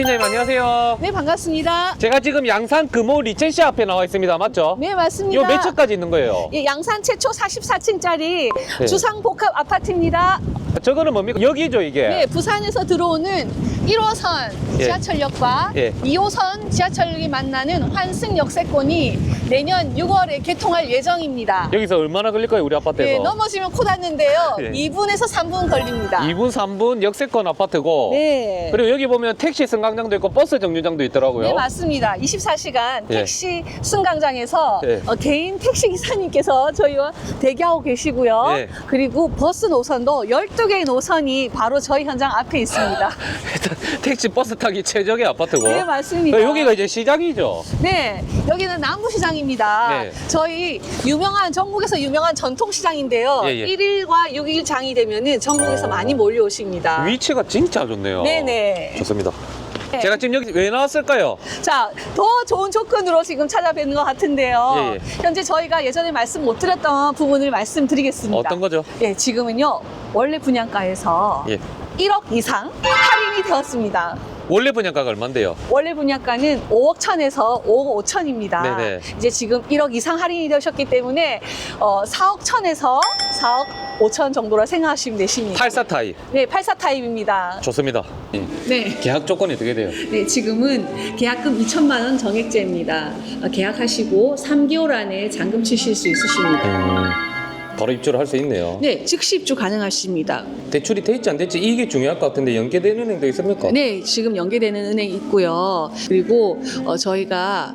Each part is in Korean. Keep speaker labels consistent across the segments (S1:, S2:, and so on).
S1: 선생님 안녕하세요.
S2: 네, 반갑습니다.
S1: 제가 지금 양산 금호 리첸시 앞에 나와 있습니다. 맞죠?
S2: 네, 맞습니다.
S1: 이거 몇 층까지 있는 거예요?
S2: 예, 양산 최초 44층짜리
S1: 네.
S2: 주상복합 아파트입니다.
S1: 저거는 뭡니까? 여기죠 이게?
S2: 네, 부산에서 들어오는 1호선
S1: 예.
S2: 지하철역과
S1: 예.
S2: 2호선 지하철역이 만나는 환승 역세권이 내년 6월에 개통할 예정입니다.
S1: 여기서 얼마나 걸릴까요 우리 아파트에서?
S2: 네, 넘어지면 코 닿는데요.
S1: 예.
S2: 2분에서 3분 걸립니다.
S1: 2분 3분 역세권 아파트고
S2: 네.
S1: 그리고 여기 보면 택시 승강장도 있고 버스 정류장도 있더라고요.
S2: 네, 맞습니다. 24시간
S1: 예.
S2: 택시 승강장에서
S1: 예.
S2: 개인 택시 기사님께서 저희와 대기하고 계시고요.
S1: 예.
S2: 그리고 버스 노선도 12개의 노선이 바로 저희 현장 앞에 있습니다.
S1: 일단 택시 버스 타기 최적의 아파트고.
S2: 네, 맞습니다.
S1: 여기가 이제 시장이죠?
S2: 네, 여기는 남부시장입니다.
S1: 네.
S2: 저희 전국에서 유명한 전통시장인데요.
S1: 예, 예.
S2: 1일과 6일 장이 되면은 전국에서 많이 몰려오십니다.
S1: 위치가 진짜 좋네요.
S2: 네네.
S1: 좋습니다.
S2: 네.
S1: 제가 지금 여기 왜 나왔을까요?
S2: 자, 더 좋은 조건으로 지금 찾아뵙는 것 같은데요.
S1: 예, 예.
S2: 현재 저희가 예전에 말씀 못 드렸던 부분을 말씀드리겠습니다.
S1: 어떤 거죠?
S2: 예, 지금은요, 원래 분양가에서
S1: 예.
S2: 1억 이상 할인이 되었습니다.
S1: 원래 분양가가 얼만데요?
S2: 원래 분양가는 5억 천에서 5억 5천입니다.
S1: 네네.
S2: 이제 지금 1억 이상 할인이 되셨기 때문에 4억 천에서 4억 5천 정도라 생각하시면 되십니다.
S1: 84 타입.
S2: 네, 84 타입입니다.
S1: 좋습니다. 예.
S2: 네.
S1: 계약 조건이 어떻게 돼요?
S2: 네, 지금은 계약금 2천만 원 정액제입니다. 계약하시고 3개월 안에 잔금 치실 수 있으십니다.
S1: 바로 입주를 할 수 있네요.
S2: 네, 즉시 입주 가능하십니다.
S1: 대출이 돼 있지 안 됐지 이게 중요할 것 같은데 연계되는 은행도 있습니까?
S2: 네, 지금 연계되는 은행이 있고요. 그리고 저희가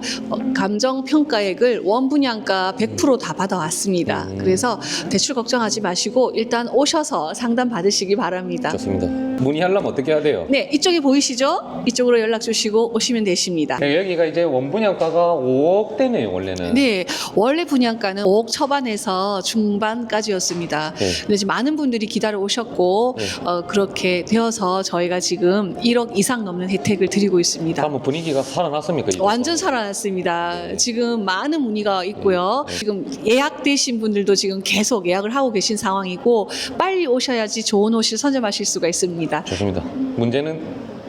S2: 감정평가액을 원분양가 100% 다 받아왔습니다. 그래서 대출 걱정하지 마시고 일단 오셔서 상담 받으시기 바랍니다.
S1: 좋습니다. 문의하려면 어떻게 해야 돼요?
S2: 네, 이쪽에 보이시죠? 이쪽으로 연락 주시고 오시면 되십니다.
S1: 네, 여기가 이제 원분양가가 5억대네요 원래는.
S2: 네, 원래 분양가는 5억 초반에서 중반까지였습니다.
S1: 네.
S2: 근데 지금 많은 분들이 기다려 오셨고
S1: 네.
S2: 그렇게 되어서 저희가 지금 1억 이상 넘는 혜택을 드리고 있습니다.
S1: 한번 분위기가 살아났습니까? 이제?
S2: 완전 살아났습니다. 지금 많은 문의가 있고요.
S1: 네.
S2: 지금 예약되신 분들도 지금 계속 예약을 하고 계신 상황이고 빨리 오셔야지 좋은 옷을 선점하실 수가 있습니다.
S1: 좋습니다. 문제는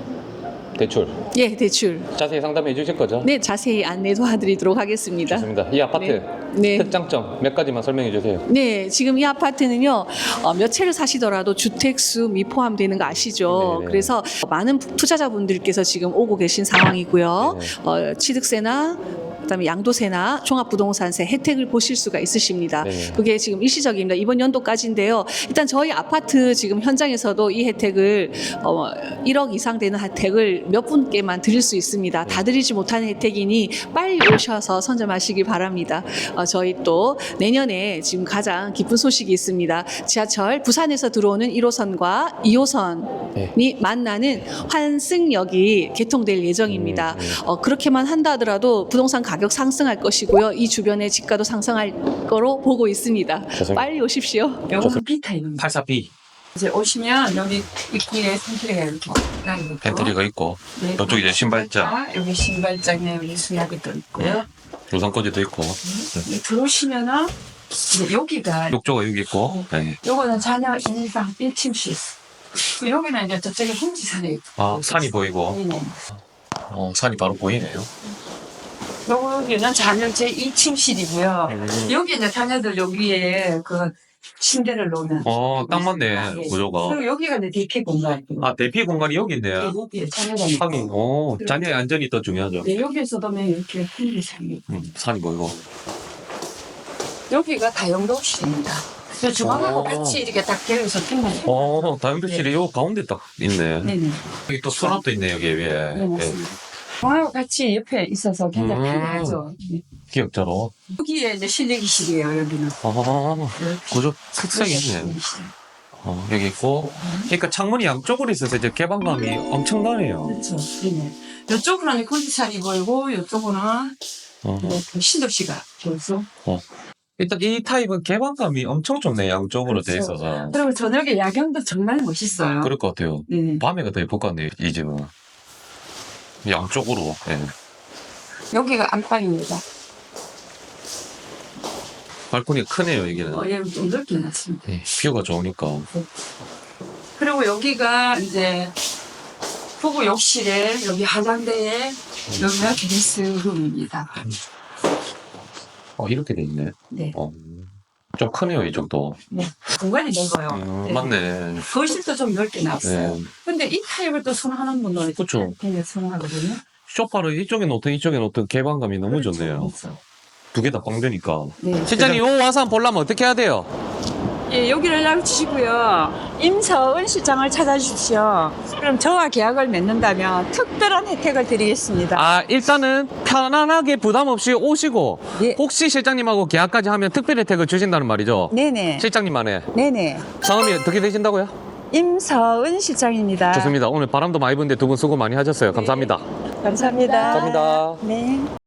S1: 대출.
S2: 예, 대출.
S1: 자세히 상담해 주실 거죠?
S2: 네, 자세히 안내 도와드리도록 하겠습니다.
S1: 좋습니다. 이 아파트
S2: 네.
S1: 특장점 몇 가지만 설명해 주세요.
S2: 네, 지금 이 아파트는요, 몇 채를 사시더라도 주택수 미포함되는 거 아시죠?
S1: 네네.
S2: 그래서 많은 투자자분들께서 지금 오고 계신 상황이고요.
S1: 네네.
S2: 취득세나 그다음에 양도세나 종합부동산세 혜택을 보실 수가 있으십니다.
S1: 네네.
S2: 그게 지금 일시적입니다. 이번 연도까지인데요. 일단 저희 아파트 지금 현장에서도 이 혜택을 1억 이상 되는 혜택을 몇 분께만 드릴 수 있습니다. 다 드리지 못하는 혜택이니 빨리 오셔서 선점하시기 바랍니다. 저희 또 내년에 지금 가장 기쁜 소식이 있습니다. 지하철 부산에서 들어오는 1호선과 2호선이
S1: 네.
S2: 만나는 환승역이 개통될 예정입니다. 그렇게만 한다 하더라도 부동산 가격 상승할 것이고요. 이 주변의 집가도 상승할 거로 보고 있습니다.
S1: 좋습니다.
S2: 빨리 오십시오.
S3: 요거는 B타입입니다.
S1: 84B
S3: 이제 오시면 여기 입구에 팬트리가 이렇게 있고,
S1: 팬트리가 있고
S3: 네,
S1: 이쪽이 이제 신발장,
S3: 여기 신발장에 여기 수납이 또 있고요.
S1: 우산꽂이도 있고
S3: 들어오시면은 이제 여기가
S1: 욕조가 여기 있고 네.
S3: 요거는 자녀 일방 1침실. 여기는 이제 저쪽에 홍지산에 있고.
S1: 아 산이 보이고
S3: 네네.
S1: 산이 바로 보이네요.
S3: 여기는 자녀 제 2침실이고요. 여기 이제 자녀들 여기에 그 침대를 놓는.
S1: 딱 맞네
S3: 네.
S1: 구조가.
S3: 그리고 여기가 이제 대피 공간이고.
S1: 아 대피 공간이 여기 있네요.
S3: 여기에 자녀가
S1: 하긴 자녀의 안전이 더 중요하죠.
S3: 네, 여기에서 보면 이렇게 홍지산이
S1: 산이 보이고.
S3: 여기가 다용도실입니다. 주방하고 같이 이렇게 딱 개어서 끝나요.
S1: 다용도실이 요 가운데 딱 있네.
S3: 네네.
S1: 여기 또 수납도 있네 여기 위에.
S3: 네, 맞습니다. 주방하고 같이 옆에 있어서 굉장히 편하죠. 네.
S1: 기역자로.
S3: 여기에 이제 실내기실이에요, 여기는.
S1: 구조 특색이 있네. 여기 있고. 그러니까 창문이 양쪽으로 있어서 이제 개방감이 엄청나네요.
S3: 그렇죠. 네네. 이쪽으로는 컨디션이 보이고, 이쪽으로는 신도시가 보여서.
S1: 일단 이 타입은 개방감이 엄청 좋네 양쪽으로 돼
S3: 그렇죠.
S1: 있어서.
S3: 그리고 저녁에 야경도 정말 멋있어요.
S1: 그럴 것 같아요.
S3: 네네.
S1: 밤에가 더 예쁠 것 같네요 이 집은. 양쪽으로. 예.
S3: 여기가 안방입니다.
S1: 발코니가 크네요 여기는.
S3: 여기 좀 넓게 놨습니다.
S1: 뷰가 좋으니까.
S3: 그리고 여기가 이제 부부 욕실에 여기 화장대에 여기가 드레스룸입니다.
S1: 이렇게 돼 있네.
S3: 네.
S1: 좀 크네요, 이 정도.
S3: 네. 공간이 넓어요. 네.
S1: 맞네.
S3: 거실도 좀 넓게 놨어요.
S1: 네.
S3: 근데 이 타입을 또 선호하는 분은
S1: 그쵸.
S3: 되게 선호하거든요.
S1: 쇼파를 이쪽에 놓든 이쪽에 놓든 개방감이 너무 좋네요.
S3: 그렇죠.
S1: 두 개 다 빵 되니까.
S3: 네.
S1: 실장님, 요 와서 한번 보려면 어떻게 해야 돼요?
S3: 예, 여기를 연락 주시고요. 임서은 실장을 찾아주십시오. 그럼 저와 계약을 맺는다면 특별한 혜택을 드리겠습니다.
S1: 일단은 편안하게 부담 없이 오시고,
S3: 예.
S1: 혹시 실장님하고 계약까지 하면 특별 혜택을 주신다는 말이죠?
S3: 네네.
S1: 실장님만의.
S3: 네네.
S1: 성함이 어떻게 되신다고요?
S3: 임서은 실장입니다.
S1: 좋습니다. 오늘 바람도 많이 부는데 두 분 수고 많이 하셨어요. 감사합니다.
S3: 감사합니다.
S1: 감사합니다.
S3: 네.